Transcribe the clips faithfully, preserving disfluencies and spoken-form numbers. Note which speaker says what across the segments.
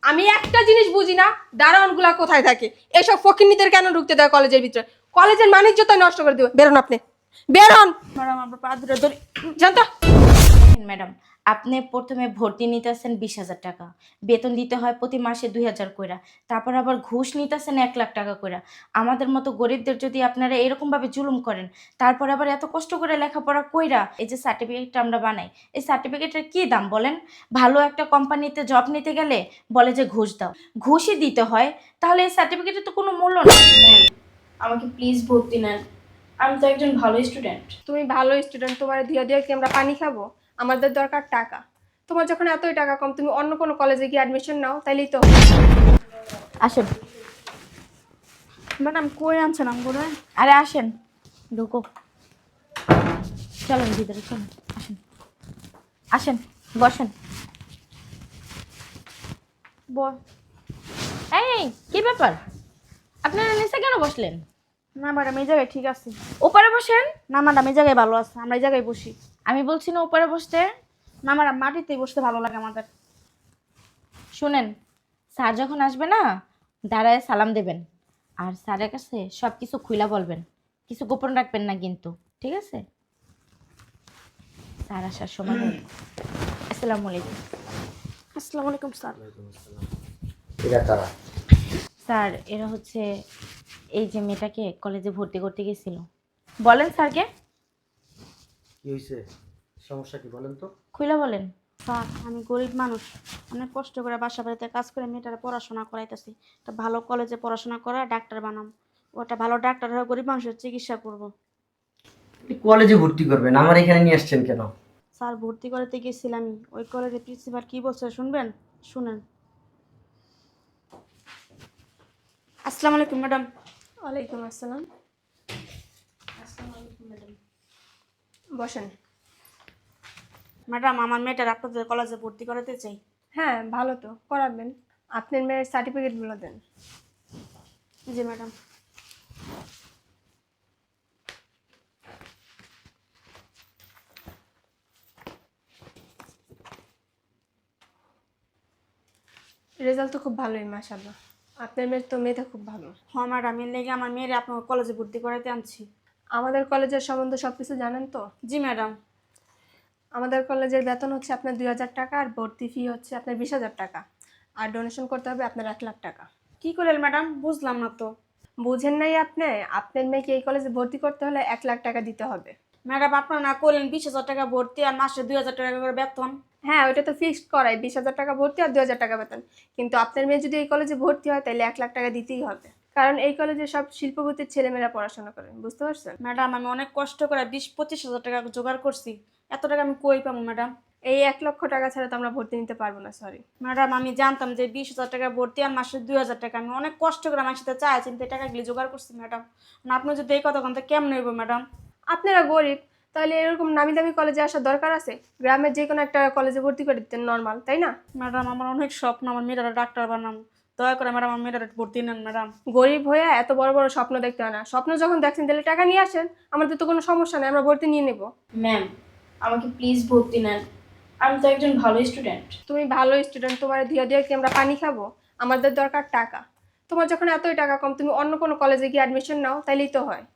Speaker 1: আমি একটা জিনিস বুঝি না, দারোয়ানগুলা কোথায় থাকে? এসব ফকিন্নিদের কেন ঢুকতে দেয় কলেজের ভিতরে? কলেজের মানিজ্যতা নষ্ট করে দিবে। বেরোন আপনি, বেরোন।
Speaker 2: ম্যাডাম আপনার পা ধরে ধরি।
Speaker 1: জানতো
Speaker 2: দেখেন ম্যাডাম, আপনি প্রথমে ভর্তি নিতেছেন বিশ হাজার টাকা, বেতন দিতে হয় প্রতি মাসে দুই হাজার কইরা, তারপর আবার ঘুষ নিতেছেন এক লাখ টাকা কইরা। আমাদের মতো গরিবদের যদি আপনারা এরকম ভাবে জুলুম করেন, তারপর আবার এত কষ্ট করে লেখাপড়া কইরা এই যে সার্টিফিকেটটা আমরা বানাই, এই সার্টিফিকেটের কি দাম বলেন? ভালো একটা কোম্পানিতে জব নিতে গেলে বলে যে ঘুষ দাও, ঘুষই দিতে হয়, তাহলে এই সার্টিফিকেটের তো কোনো মূল্য নেই। ম্যাম, আমাকে প্লিজ ভর্তি নেন, আমি তো একজন ভালো স্টুডেন্ট।
Speaker 1: তুমি ভালো স্টুডেন্ট, তোমার দিয়া দিয়া কি আমরা পানি খাবো? আমাদের দরকার টাকা। তোমার যখন এতই টাকা কম, তুমি অন্য কোনো কলেজে গিয়ে অ্যাডমিশন নাও, তাইলেই তো।
Speaker 2: আসেন
Speaker 3: ম্যাডাম কই আনছেন আমগুলো?
Speaker 2: আরে আসেন, ঢুকো, চলেন ভিতরে চলেন, আসেন আসেন, বসেন।
Speaker 3: বল।
Speaker 2: এই কি ব্যাপার, আপনারা নিচে কেন বসলেন?
Speaker 3: না ম্যাডাম এই জায়গায় ঠিক আছে।
Speaker 2: ওপারে বসেন।
Speaker 3: না ম্যাডাম এই জায়গায় ভালো আছে, আমরা এই জায়গায় বসি।
Speaker 2: আমি বলছি না ওপারে বসতে।
Speaker 3: না ম্যাডাম মাটিতেই বসতে ভালো লাগে আমাদের।
Speaker 2: শুনেন, স্যার যখন আসবে না, দাঁড়ায় সালাম দেবেন, আর স্যারের কাছে সব কিছু খুইলা বলবেন, কিছু গোপন রাখবেন না কিন্তু, ঠিক আছে? স্যার আসার সময় হবে। আসসালামু আলাইকুম।
Speaker 3: আসসালামু আলাইকুম স্যার।
Speaker 4: এরা কারা?
Speaker 2: স্যার এরা হচ্ছে এই যে মেয়েটাকে কলেজে ভর্তি করতে গেছিল। বলেন স্যারকে।
Speaker 4: কি হয়েছে? সমস্যা কি বলেন তো?
Speaker 2: খুইলা বলেন।
Speaker 3: স্যার আমি গরিব মানুষ, অনেক কষ্ট করে বাসা বাড়িতে কাজ করে মেয়েটার পড়াশোনা করাইতেছি। একটা ভালো কলেজে পড়াশোনা করা ডাক্তার বানাম, ওটা ভালো ডাক্তার হয়ে গরিব মানুষের চিকিৎসা করব।
Speaker 4: কলেজে ভর্তি করবেন, আমার এখানে নিয়ে আসছেন কেন?
Speaker 3: স্যার ভর্তি করতে গেছিলাম, আমি ওই কলেজের প্রিন্সিপাল কি বলছে শুনবেন? শুনেন। আসসালামু আলাইকুম ম্যাডাম।
Speaker 1: ওয়ালাইকুম আসসালাম। বসেন।
Speaker 3: ম্যাডাম আমার মেয়েটার আপনাদের কলেজে ভর্তি করাতে চাই।
Speaker 1: হ্যাঁ ভালো তো, করাবেন। আপনার মেয়ের সার্টিফিকেটগুলো দেন।
Speaker 3: জি ম্যাডাম।
Speaker 1: রেজাল্ট তো খুব ভালোই মাশাআল্লাহ। আপনার মেয়ের তো মেয়েটা খুব ভালো।
Speaker 3: হ্যাঁ ম্যাডাম এর লেগে আমার মেয়ের আপনার কলেজে ভর্তি করাতে আনছি।
Speaker 1: আমাদের কলেজের সম্বন্ধে সব কিছু জানেন তো?
Speaker 3: জি ম্যাডাম।
Speaker 1: আমাদের কলেজের বেতন হচ্ছে আপনার দুই হাজার টাকা, আর ভর্তি ফি হচ্ছে আপনার বিশ হাজার টাকা, আর ডোনেশন করতে হবে আপনার এক লাখ টাকা।
Speaker 3: কি করলেন ম্যাডাম? বুঝলাম না তো।
Speaker 1: বুঝেন নাই আপনি? আপনার মেয়েকে এই কলেজে ভর্তি করতে হলে এক লাখ টাকা দিতে হবে।
Speaker 3: ম্যাডাম আপনার না করলেন বিশ হাজার টাকা ভর্তি আর মাসে দুই হাজার টাকা করে বেতন।
Speaker 1: হ্যাঁ ওইটা তো ফিক্সড করাই, বিশ হাজার টাকা ভর্তি আর দুই হাজার টাকা বেতন। কিন্তু আপনার মেয়ে যদি এই কলেজে ভর্তি হয় তাহলে এক লাখ টাকা দিতেই হবে, কারণ এই কলেজে সব শিল্পপতির ছেলেমেয়েরা পড়াশোনা করে, বুঝতে পারছেন?
Speaker 3: ম্যাডাম আমি অনেক কষ্ট করে বিশ পঁচিশ হাজার টাকা জোগাড় করছি, এত টাকা আমি কই পাবো ম্যাডাম?
Speaker 1: এই এক লক্ষ টাকা ছাড়া তো আমরা ভর্তি নিতে পারবো না, সরি।
Speaker 3: ম্যাডাম আমি জানতাম যে বিশ হাজার টাকা ভর্তি আর মাসে দুই হাজার টাকা, আমি অনেক কষ্ট করে আমার সাথে চাই চিন্তা টাকাগুলি জোগাড় করছি ম্যাডাম। আপনি যদি এই কথা কথা কেমন হইব ম্যাডাম?
Speaker 1: আপনারা গরিব, তাহলে এরকম নামি দামি কলেজে আসার দরকার আছে? গ্রামের যে কোনো একটা কলেজে ভর্তি করে দিতেন, নর্মাল, তাই না?
Speaker 3: ম্যাডাম আমার অনেক স্বপ্ন আমার মেয়েরা ডাক্তার বানাম, দয়া করে ম্যাডাম আমার মেয়েরা ভর্তি নেন ম্যাডাম।
Speaker 1: গরিব হয়ে এত বড় বড় স্বপ্ন দেখতে হয় না। স্বপ্ন যখন দেখছেন তাহলে টাকা নিয়ে আসেন, আমাদের তো কোনো সমস্যা নেই, আমরা ভর্তি নিয়ে নেব।
Speaker 2: ম্যাম, আমাকে প্লিজ ভর্তি নেন, আমি তো একজন ভালো স্টুডেন্ট।
Speaker 1: তুমি ভালো স্টুডেন্ট, তোমার দিয়া দিয়া কি আমরা পানি খাবো? আমাদের দরকার টাকা। তোমার যখন এতই টাকা কম, তুমি অন্য কোনো কলেজে গিয়ে অ্যাডমিশন নাও, তাইলেই তো হয়।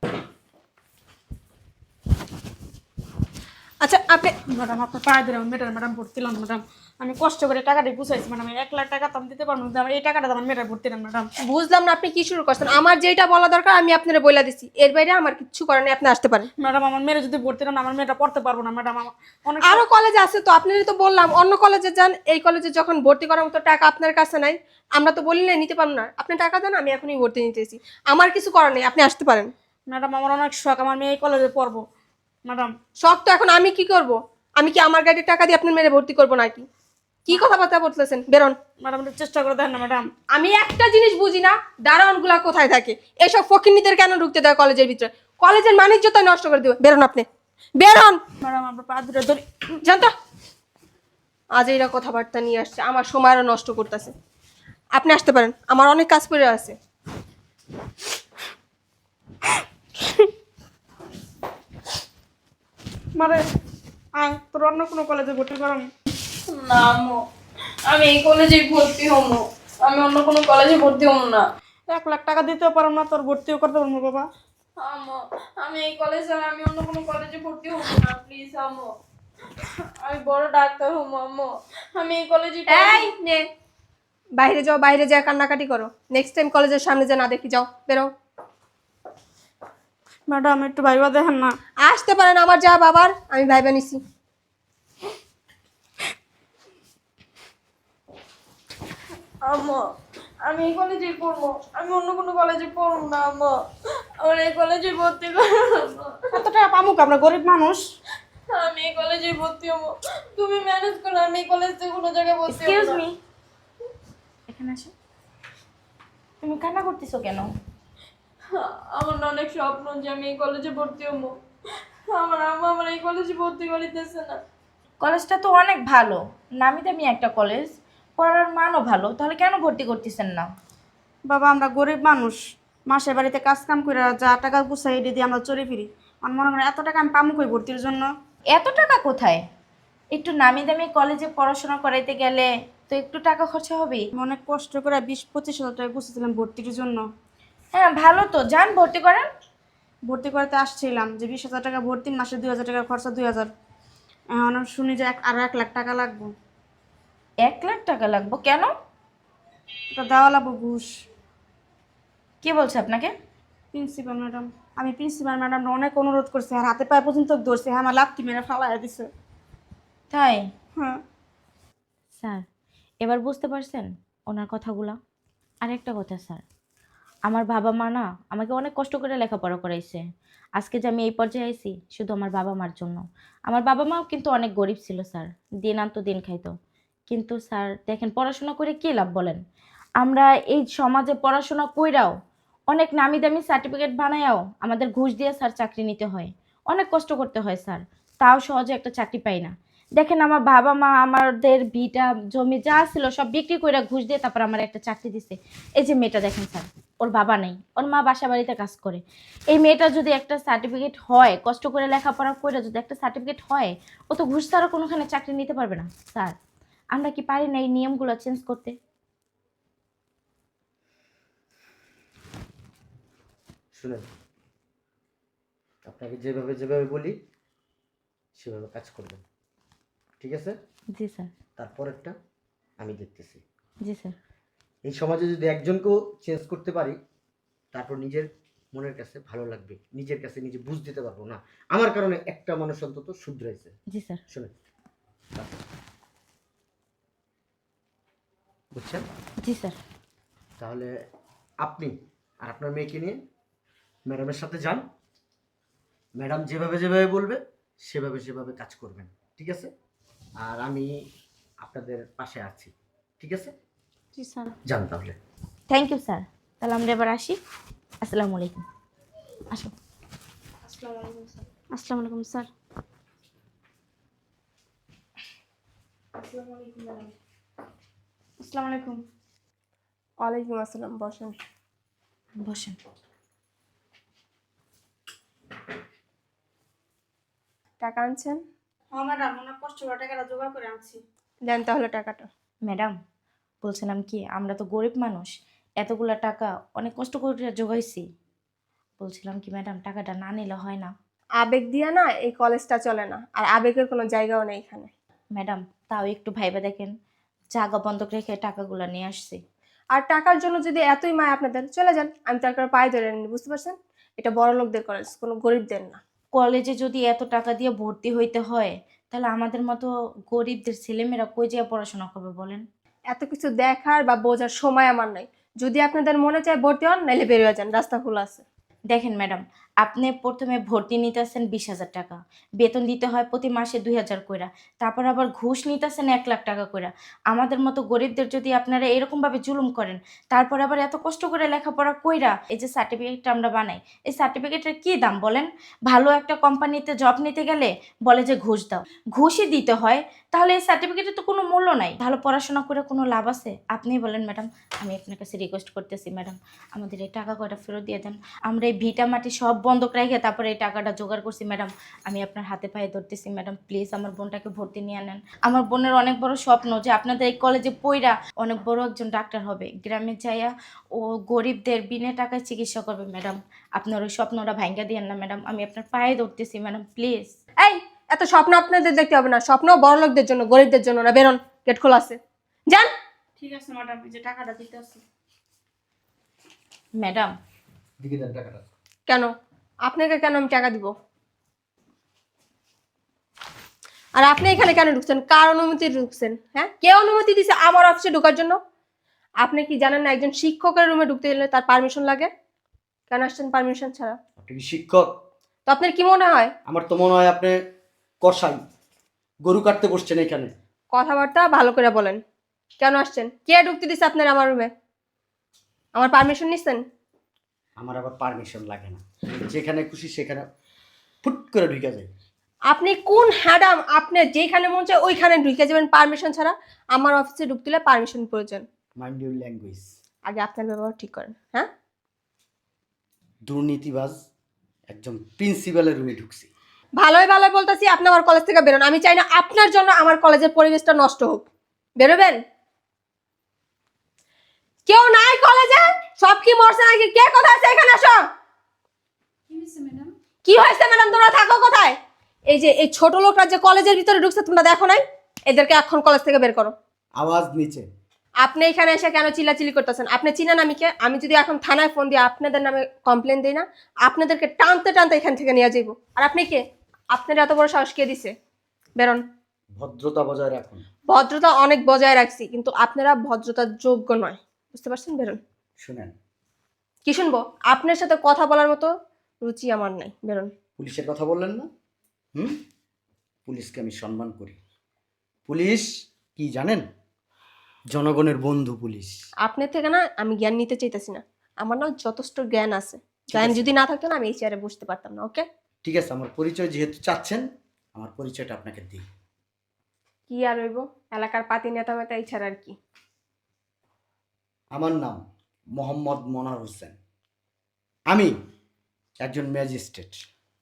Speaker 1: আচ্ছা আপনি
Speaker 3: ম্যাডাম আপনার পায়ে ধরে আমার মেয়েটার ম্যাডাম ভর্তি নেন ম্যাডাম, আমি কষ্ট করে টাকাটা গুছাইছি ম্যাডাম, এক লাখ টাকা তো আমি দিতে পারবো না, এই টাকাটা আমার মেয়েটার ভর্তি নেন ম্যাডাম।
Speaker 1: বুঝলাম না আপনি কি শুরু করছেন। আমার যেটা বলা দরকার আমি আপনারা বলে দিছি, এর বাইরে আমার কিছু করার নেই, আপনি আসতে পারেন।
Speaker 3: ম্যাডাম আমার মেয়েরা যদি ভর্তি নেন আমার মেয়েটা পড়তে পারবো না ম্যাডাম, আমার অনেক
Speaker 1: আরো কলেজ আছে তো, আপনারা তো বললাম অন্য কলেজে যান। এই কলেজে যখন ভর্তি করার মতো টাকা আপনার কাছে নাই, আমরা তো বললে নিতে পারবো না। আপনি টাকা দেন, আমি এখনই ভর্তি নিতেছি। আমার কিছু করার নেই, আপনি আসতে পারেন।
Speaker 3: ম্যাডাম আমার অনেক শখ আমার মেয়ে এই কলেজে পড়বো ম্যাডাম।
Speaker 1: শখ তো এখন আমি কি করব? আমি কি আমার গাড়ির টাকা দিয়ে আপনার মেরে ভর্তি করবো নাকি? কি কথাবার্তা বলতেছেন? বেরোন।
Speaker 3: ম্যাডাম একটু চেষ্টা করে দেন না ম্যাডাম।
Speaker 1: আমি একটা জিনিস বুঝি না, দারোয়ানগুলা কোথায় থাকে? এসব ফকিন্নিদের কেন ঢুকতে দেয় কলেজের ভিতরে? কলেজের মানিজ্যতা নষ্ট করে দিবে। বেরোন আপনি, বেরোন।
Speaker 3: ম্যাডাম আপনার পা ধরে ধরি।
Speaker 1: জানতো আজ এইরা কথাবার্তা নিয়ে আসছে, আমার সময় আরো নষ্ট করতেছে। আপনি আসতে পারেন, আমার অনেক কাজ করে আছে।
Speaker 3: মানে আয় তোর অন্য কোনো কলেজে ভর্তি করাম।
Speaker 2: না মো, আমি এই কলেজে ভর্তি হবো।
Speaker 5: আমি অন্য কোনো কলেজে ভর্তি হব না।
Speaker 3: এক লাখ টাকা দিতেও পারো না, তোর ভর্তিও করতে পারবো না বাবা।
Speaker 5: আম্মু, আমি এই কলেজে আমি অন্য কোনো কলেজে ভর্তি হব না, প্লিজ আম্মু। আমি বড় ডাক্তার হবো আম্মু, আমি এই কলেজে
Speaker 1: এই নে, বাইরে যাও, বাইরে যা কান্নাকাটি করো। নেক্সট টাইম কলেজের সামনে যা না দেখি, যাও বেরো।
Speaker 3: ম্যাডাম একটু ভাইবা দেখেন না।
Speaker 1: আসতে পারেন আমার যা বাবার, আমি ভাইবা নিছি।
Speaker 5: আম্মু, আমি এই কলেজেই পড়বো, আমি অন্য কোনো কলেজে পড়বো না আম্মু, আমার এই কলেজে ভর্তি করো আম্মু।
Speaker 3: এত টাকা পামুক, আমরা গরিব মানুষ।
Speaker 5: আমি এই কলেজে ভর্তি হবো, তুমি ম্যানেজ করো, আমি এই কলেজ থেকে কোনো জায়গায় ভর্তি হবো
Speaker 2: এক্সকিউজ
Speaker 5: না।
Speaker 2: মি, এখানে আসো। তুমি কান্না করতেছো কেন?
Speaker 5: আমার না অনেক স্বপ্ন যে আমি এই কলেজে ভর্তি হবো, আমার আম্মা আমার এই কলেজে ভর্তি করিতেছে না।
Speaker 2: কলেজটা তো অনেক ভালো, নামি দামি একটা কলেজ, পড়ার মানও ভালো, তাহলে কেন ভর্তি করতেছেন না?
Speaker 3: বাবা আমরা গরিব মানুষ, মাসের বাড়িতে কাজ কাম করে যা টাকা গুছাই এটি দিয়ে আমরা চলে ফিরি। আমার মনে করেন এত টাকা আমি পামুক ওই ভর্তির জন্য।
Speaker 2: এত টাকা কোথায়? একটু নামি দামি কলেজে পড়াশোনা করাইতে গেলে তো একটু টাকা খরচা হবেই।
Speaker 3: আমি অনেক কষ্ট করে বিশ পঁচিশ হাজার টাকা গুছিয়েছিলাম ভর্তির জন্য।
Speaker 2: হ্যাঁ ভালো তো, যান ভর্তি করেন।
Speaker 3: ভর্তি করতে আসছিলাম যে বিশ হাজার টাকা ভর্তি, মাসে দুই হাজার টাকা খরচা, দুই হাজার। এখন আমি শুনি যে এক- আরো এক লাখ টাকা লাগবে।
Speaker 2: এক লাখ টাকা লাগবে কেন?
Speaker 3: ওটা দেওয়া লাগবে ঘুষ।
Speaker 2: কে বলছে আপনাকে?
Speaker 3: প্রিন্সিপাল ম্যাডাম, আমি প্রিন্সিপাল ম্যাডাম অনেক অনুরোধ করছি, আর হাতে পায়ে পর্যন্ত ধরছে, হ্যাঁ আমার লাথি মেরে ফালাই দিছে।
Speaker 2: তাই?
Speaker 3: হ্যাঁ
Speaker 2: স্যার এবার বুঝতে পারছেন ওনার কথাগুলা? আর একটা কথা স্যার, আমার বাবা মা না আমাকে অনেক কষ্ট করে লেখাপড়া করাইছে। আজকে যে আমি এই পর্যায়ে আইছি শুধু আমার বাবা মার জন্য। আমার বাবা মাও কিন্তু অনেক গরিব ছিল স্যার, দিন আনতো দিন খাইতো। কিন্তু স্যার দেখেন পড়াশোনা করে কী লাভ বলেন? আমরা এই সমাজে পড়াশোনা কইরাও অনেক নামি দামি সার্টিফিকেট বানায়াও আমাদের ঘুষ দিয়ে স্যার চাকরি নিতে হয়, অনেক কষ্ট করতে হয় স্যার, তাও সহজে একটা চাকরি পাই না। দেখেন আমার বাবা মা আমাদের ভিটা জমি যা ছিল সব বিক্রি করে ঘুষ দিয়ে তারপর আমার একটা চাকরি দিছে। এই যে মেয়েটা দেখেন স্যার, ওর বাবা নেই, ওর মা বাসা বাড়িতে কাজ করে। এই মেয়েটা যদি একটা সার্টিফিকেট হয়, কষ্ট করে লেখাপড়া করে যদি একটা সার্টিফিকেট হয়, ও তো ঘুষ ছাড়া কোনোখানে চাকরি নিতে পারবে না। স্যার আমরা কি পারি না এই নিয়মগুলো চেঞ্জ করতে?
Speaker 4: শুনেন, আপনাকে যেভাবে যেভাবে বলি সেভাবে কাজ করবেন, ঠিক আছে?
Speaker 2: জি স্যার।
Speaker 4: তারপরেরটা আমি দেখতেছি।
Speaker 2: জি স্যার।
Speaker 4: এই সমাজে যদি একজনকেও চেঞ্জ করতে পারি, তারপর নিজের মনের কাছে ভালো লাগবে, নিজের কাছে নিজে বুঝ দিতে পারবো না আমার কারণে একটা মানুষ অন্তত শুধরাইছে।
Speaker 2: জি স্যার।
Speaker 4: শুনেন, বুঝছেন?
Speaker 2: জি স্যার।
Speaker 4: তাহলে আপনি আর আপনার মেয়েকে নিয়ে ম্যাডামের সাথে যান, ম্যাডাম যেভাবে যেভাবে বলবে সেভাবে সেভাবে কাজ করবেন, ঠিক আছে? আর আমি আপনাদের পাশে আছি, ঠিক আছে?
Speaker 3: জি স্যার।
Speaker 4: যান তাহলে।
Speaker 2: থ্যাংক ইউ স্যার, তাহলে আমরা এবার আসি। আসসালামু আলাইকুম। আসো।
Speaker 3: আসসালামু আলাইকুম স্যার। আসসালামু আলাইকুম স্যার। আসসালামু আলাইকুম ম্যাডাম। আসসালামু আলাইকুম।
Speaker 1: ওয়ালাইকুম আসসালাম, বসেন।
Speaker 2: বসেন।
Speaker 1: টাকা আনছেন?
Speaker 3: হ্যাঁ ম্যাডাম, অনেক কষ্ট করে টাকাটা জোগাড় করে আনছি।
Speaker 1: দেন তাহলে টাকাটা।
Speaker 2: ম্যাডাম বলছিলাম কি, আমরা তো গরিব মানুষ, এতগুলা টাকা অনেক কষ্ট করে জোগাইছি। বলছিলাম কি ম্যাডাম, টাকাটা না নিলে হয় না?
Speaker 1: আবেগ দিয়া না এই কলেজটা চলে না, আর আবেগের কোনো জায়গাও নেই এখানে।
Speaker 2: ম্যাডাম তাও একটু ভাইবা দেখেন, জায়গা বন্ধক রেখে টাকাগুলো নিয়ে আসছি।
Speaker 1: আর টাকার জন্য যদি এতই মায় আপনাদের, চলে যান, আমি তার কারণে পায়ে ধরে নিই, বুঝতে পারছেন? এটা বড় লোকদের কলেজ, কোনো গরিবদের না।
Speaker 2: কলেজে যদি এত টাকা দিয়ে ভর্তি হইতে হয়, তাহলে আমাদের মতো গরিবদের ছেলেমেয়েরা কই যেয়ে পড়াশোনা করবে বলেন?
Speaker 1: এত কিছু দেখার বা বোঝার সময় আমার নাই। যদি আপনাদের মনে চায় ভর্তি হন, নাইলে বেরিয়ে যান, রাস্তা খোলা আছে।
Speaker 2: দেখেন ম্যাডাম, আপনি প্রথমে ভর্তি নিতেছেন বিশ হাজার টাকা, বেতন দিতে হয় প্রতি মাসে দুই হাজার কইরা, তারপর আবার ঘুষ নিতেছেন এক লাখ টাকা কইরা। আমাদের মতো গরিবদের যদি আপনারা এরকমভাবে জুলুম করেন, তারপর আবার এত কষ্ট করে লেখাপড়া কইরা এই যে সার্টিফিকেটটা আমরা বানাই, এই সার্টিফিকেটের কী দাম বলেন? ভালো একটা কোম্পানিতে জব নিতে গেলে বলে যে ঘুষ দাও, ঘুষই দিতে হয়, তাহলে এই সার্টিফিকেটের তো কোনো মূল্য নাই। ভালো পড়াশোনা করে কোনো লাভ আছে? আপনিই বলেন ম্যাডাম। আমি আপনার কাছে রিকোয়েস্ট করতেছি ম্যাডাম, আমাদের এই টাকা কয়টা ফেরত দিয়ে দেন। আমরা এই ভিটা মাটি সব বন্ধক রেখে তারপরে এই টাকাটা জোগাড় করছি ম্যাডাম। আমি আপনার হাতে পায়ে ধরতেছি ম্যাডাম, প্লিজ আমার বোনটাকে ভর্তি নিয়ে নেন। আমার বোনের অনেক বড় স্বপ্ন যে আপনাদের এই কলেজে পইরা অনেক বড় একজন ডাক্তার হবে, গ্রামে যাইয়া ও গরিবদের বিনা টাকায় চিকিৎসা করবে ম্যাডাম। আপনার ওই স্বপ্নটা ভাঙ্গা দিয়েন না ম্যাডাম, আমি আপনার পায়ে ধরতেছি ম্যাডাম, প্লিজ।
Speaker 1: এই এত স্বপ্ন আপনাদের দেখতে হবে না, স্বপ্ন বড় লোকদের জন্য, গরিবদের জন্য না। বেরোন, গেট খোলা আছে, যান।
Speaker 3: ঠিক আছে ম্যাডাম, এই যে টাকাটা দিতে আসছি।
Speaker 2: ম্যাডাম
Speaker 4: দিকে দেন টাকাটা।
Speaker 1: কেন আপনাকে কেন আমি টাকা দিব? আর আপনি এখানে কেন ঢুকছেন? কার অনুমতি ঢুকছেন? হ্যাঁ, কে অনুমতি দিছে আমার অফিসে ঢোকার জন্য? আপনি কি জানেন না একজন শিক্ষকের রুমে ঢুকতে গেলে তার পারমিশন লাগে? কেন আসছেন পারমিশন ছাড়া?
Speaker 4: আপনি কি শিক্ষক?
Speaker 1: তো আপনার কি মনে হয়?
Speaker 4: আমার তো মনে হয় আপনি কসাই, গরু কাটতে বসছেন এখানে।
Speaker 1: কথাবার্তা ভালো করে বলেন। কেন আসছেন? কে ঢুকতে দিছে আপনার আমার রুমে? আমার পারমিশন নিছেন?
Speaker 4: আমার আবার পারমিশন লাগে না, যেখানে খুশি সেখানে ফুট করে ঢুকে যায়।
Speaker 1: আপনি কোন হ্যাডাম? আপনি যেখানে মন চায় ওইখানে ঢুকে যাবেন পারমিশন ছাড়া? আমার অফিসে ঢুকতে হলে পারমিশন প্রয়োজন।
Speaker 4: Mind your language.
Speaker 1: আগে আপনার ব্যবহার ঠিক করেন। হ্যাঁ,
Speaker 4: দুর্নীতিবাজ একজন প্রিন্সিপালের রুমে ঢুকছি।
Speaker 1: ভালোই ভালোই বলতেছি, আপনি আমার কলেজ থেকে বেরোন। আমি চাই না আপনার জন্য আমার কলেজের পরিবেশটা নষ্ট হোক। বেরোবেন? কেউ নাই কলেজে? সব কি মরছে নাকি? কে কোথায় আছে? এখানে আসো।
Speaker 5: কি হয়েছে ম্যাডাম?
Speaker 1: কি হয়েছে ম্যাডাম? তোমরা থাকো কোথায়? এই যে এই ছোট লোকরা যে কলেজের ভিতরে ঢুকছে তোমরা দেখো নাই? এদেরকে এখন কলেজ থেকে বের করো।
Speaker 4: আওয়াজ নিচে।
Speaker 1: আপনি এখানে এসে কেন চিল্লাচিল্লি করতেছেন? আপনি চিনেন আমি কে? আমি যদি এখন থানায় ফোন দিয়ে আপনাদের নামে কমপ্লেন দিই না, আপনাদেরকে টানতে টানতে এখান থেকে নিয়ে যাইব। আর আপনি কে? আপনার এত বড় সাহস কে দিছে? বেরোন।
Speaker 4: ভদ্রতা বজায় রাখুন।
Speaker 1: ভদ্রতা অনেক বজায় রাখছি, কিন্তু আপনারা ভদ্রতার যোগ্য নয়, বুঝতে পারছেন? বেরোন।
Speaker 4: শুনেন,
Speaker 1: কি শুনবো? আপনার সাথে কথা বলার মতো রুচি আমার নাই। বেরোন।
Speaker 4: পুলিশের কথা বললেন না? হুম, পুলিশকে আমি সম্মান করি। পুলিশ কি জানেন? জনগণের বন্ধু পুলিশ।
Speaker 1: আপনার থেকে না আমি জ্ঞান নিতে চাইতেছি না, আমার না যথেষ্ট জ্ঞান আছে। জ্ঞান
Speaker 4: আছে।
Speaker 1: যদি না থাকতো না আমি এই চেয়ারে বসতে পারতাম না। ওকে,
Speaker 4: ঠিক আছে, আমার পরিচয় যেহেতু চাচ্ছেন, আমার পরিচয়টা আপনাকে দিই।
Speaker 1: কি আর হইব? এলাকার পাতি নেতা মেতা, এই ছাড়া আর কি?
Speaker 4: আমার নাম মোহাম্মদ মনোয়ার হোসেন। আমি একজন ম্যাজিস্ট্রেট।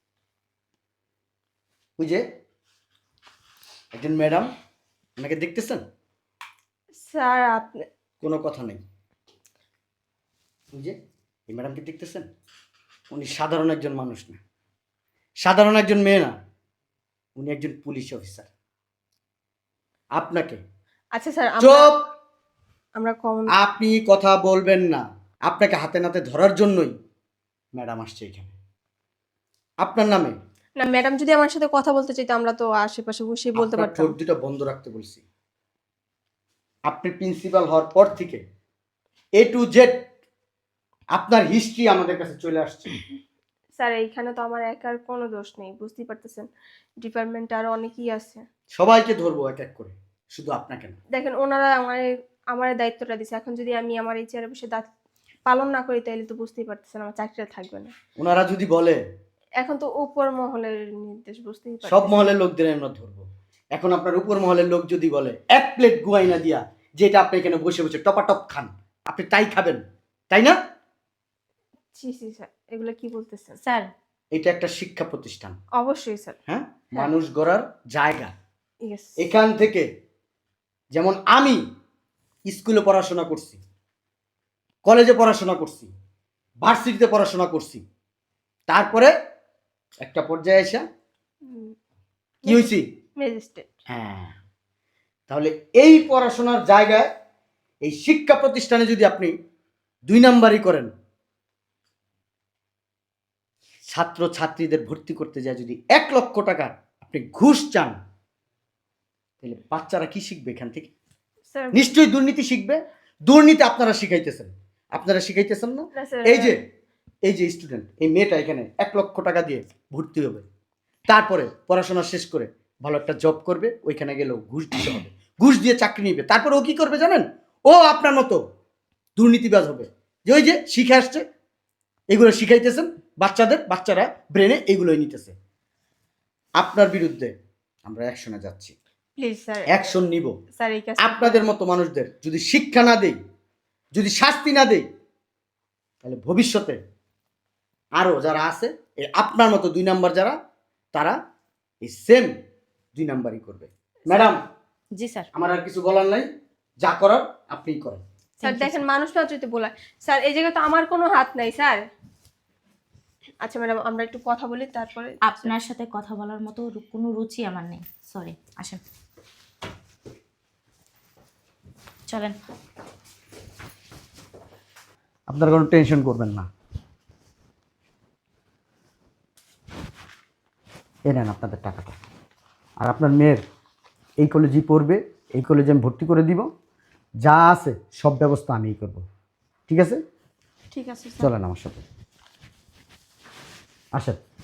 Speaker 4: ওই যে একজন ম্যাডাম, ওনাকে দেখতেছেন?
Speaker 1: স্যার আপনি
Speaker 4: কোনো কথা নেই। ওই যে এই ম্যাডামকে দেখতেছেন? উনি সাধারণ একজন মানুষ না, সাধারণ একজন মেয়ে না, উনি একজন পুলিশ অফিসার। আপনাকে
Speaker 1: আচ্ছা স্যার, আমরা
Speaker 4: চুপ!
Speaker 1: আমরা কম
Speaker 4: আপনি কথা বলবেন না। আপনাকে হাতে নাতে ধরার জন্যই ম্যাডাম আসছে এখানে, আপনার নামে।
Speaker 1: না, ম্যাডাম যদি আমার সাথে কথা বলতে চাইতো আমরা তো আশেপাশে বসে বলতে
Speaker 4: আপনার
Speaker 1: পারতাম।
Speaker 4: ঠোঁট দুটো বন্ধ রাখতে বলছি। আপনি প্রিন্সিপাল হওয়ার পর থেকে এ টু জেড আপনার হিস্ট্রি আমাদের কাছে চলে আসছে।
Speaker 1: স্যার এইখানে তো আমার একার কোনো দোষ নেই, বুঝতেই পারতেছেন। ডিপার্টমেন্টে আরো অনেকেই আছে।
Speaker 4: সবাইকে ধরবো এক এক করে, শুধু আপনাকে না।
Speaker 1: দেখেন ওনারা আমার আমার দায়িত্বটা দিছে, এখন যদি আমি আমার এই চেয়ারে বসে দায়িত্ব পালন না করি তাহলে তো বুঝতেই পারতেছেন আমার চাকরিটা থাকবে না।
Speaker 4: ওনারা যদি বলে,
Speaker 1: এখন তো উপর মহলের নির্দেশ, বুঝতেই
Speaker 4: সব
Speaker 1: পারতেছেন।
Speaker 4: মহলের লোকদের আমরা ধরবো। এখন আপনার উপর মহলের লোক যদি বলে এক প্লেট গুয়াইনা দিয়া, যেটা আপনি এখানে বসে বসে টপাটপ খান, আপনি তাই খাবেন, তাই না?
Speaker 1: জি জি স্যার, এগুলো কি বলতেছেন?
Speaker 2: স্যার
Speaker 4: এটা একটা শিক্ষা প্রতিষ্ঠান,
Speaker 1: অবশ্যই স্যার।
Speaker 4: হ্যাঁ, মানুষ গড়ার জায়গা।
Speaker 1: ইয়েস।
Speaker 4: এখান থেকে যেমন আমি স্কুলে পড়াশোনা করছি, কলেজে পড়াশোনা করছি, ভার্সিটিতে পড়াশোনা করছি, তারপরে একটা পর্যায়ে এসে কি হয়েছি?
Speaker 1: ম্যাজিস্ট্রেট।
Speaker 4: হ্যাঁ, তাহলে এই পড়াশোনার জায়গায় এই শিক্ষা প্রতিষ্ঠানে যদি আপনি দুই নাম্বারই করেন, ছাত্র ছাত্রীদের ভর্তি করতে যায় যদি এক লক্ষ টাকা আপনি ঘুষ চান, তাহলে বাচ্চারা কি শিখবে এখান থেকে?
Speaker 1: স্যার
Speaker 4: নিশ্চয়ই দুর্নীতি শিখবে। দুর্নীতি আপনারা শিখাইতেছেন, আপনারা শিখাইতেছেন না?
Speaker 1: না স্যার,
Speaker 4: এই যে এই যে স্টুডেন্ট, এই মেয়েটা এখানে এক লক্ষ টাকা দিয়ে ভর্তি হবে, তারপরে পড়াশোনা শেষ করে ভালো একটা জব করবে, ওইখানে গেলেও ঘুষ দিতে হবে, ঘুষ দিয়ে চাকরি নিবে, তারপরে ও কি করবে জানেন? ও আপনার মতো দুর্নীতিবাজ হবে। যে ওই যে শিখে আসছে, এগুলো শিখাইতেছেন বাচ্চাদের, বাচ্চারা ব্রেনে এগুলোই নিতেছে। আপনার বিরুদ্ধে আমরা অ্যাকশনে যাচ্ছি,
Speaker 1: প্লিজ স্যার,
Speaker 4: অ্যাকশন নিব।
Speaker 1: স্যার এই কাজ
Speaker 4: আপনাদের মতো মানুষদের যদি শিক্ষা না দেই, যদি শাস্তি না দেই, তাহলে ভবিষ্যতে আরো যারা আছে এই আপনার মতো দুই নাম্বার যারা, তারা এই সেম দুই নাম্বারই করবে। ম্যাডাম,
Speaker 2: জি স্যার।
Speaker 4: আমার আর কিছু বলার নাই, যা করার আপনিই করেন।
Speaker 1: স্যার দেখেন মানুষ মাত্রই তো বলা, স্যার এই জায়গায় তো আমার কোনো হাত নাই স্যার। আচ্ছা ম্যাডাম আমরা একটু কথা বলি তারপরে।
Speaker 2: আপনার সাথে কথা বলার মতো রু- কোনো রুচি আমার নেই, সরি। আসেন, চলেন।
Speaker 6: আপনারা কোনো টেনশন করবেন না। এ নেন আপনাদের টাকাটা। আর আপনার মেয়ের এই কলেজেই পড়বে, এই কলেজে আমি ভর্তি করে দিব, যা আছে সব ব্যবস্থা আমিই করব। ঠিক আছে?
Speaker 3: ঠিক আছে স্যার।
Speaker 6: চলেন আমার সাথে, আসেন।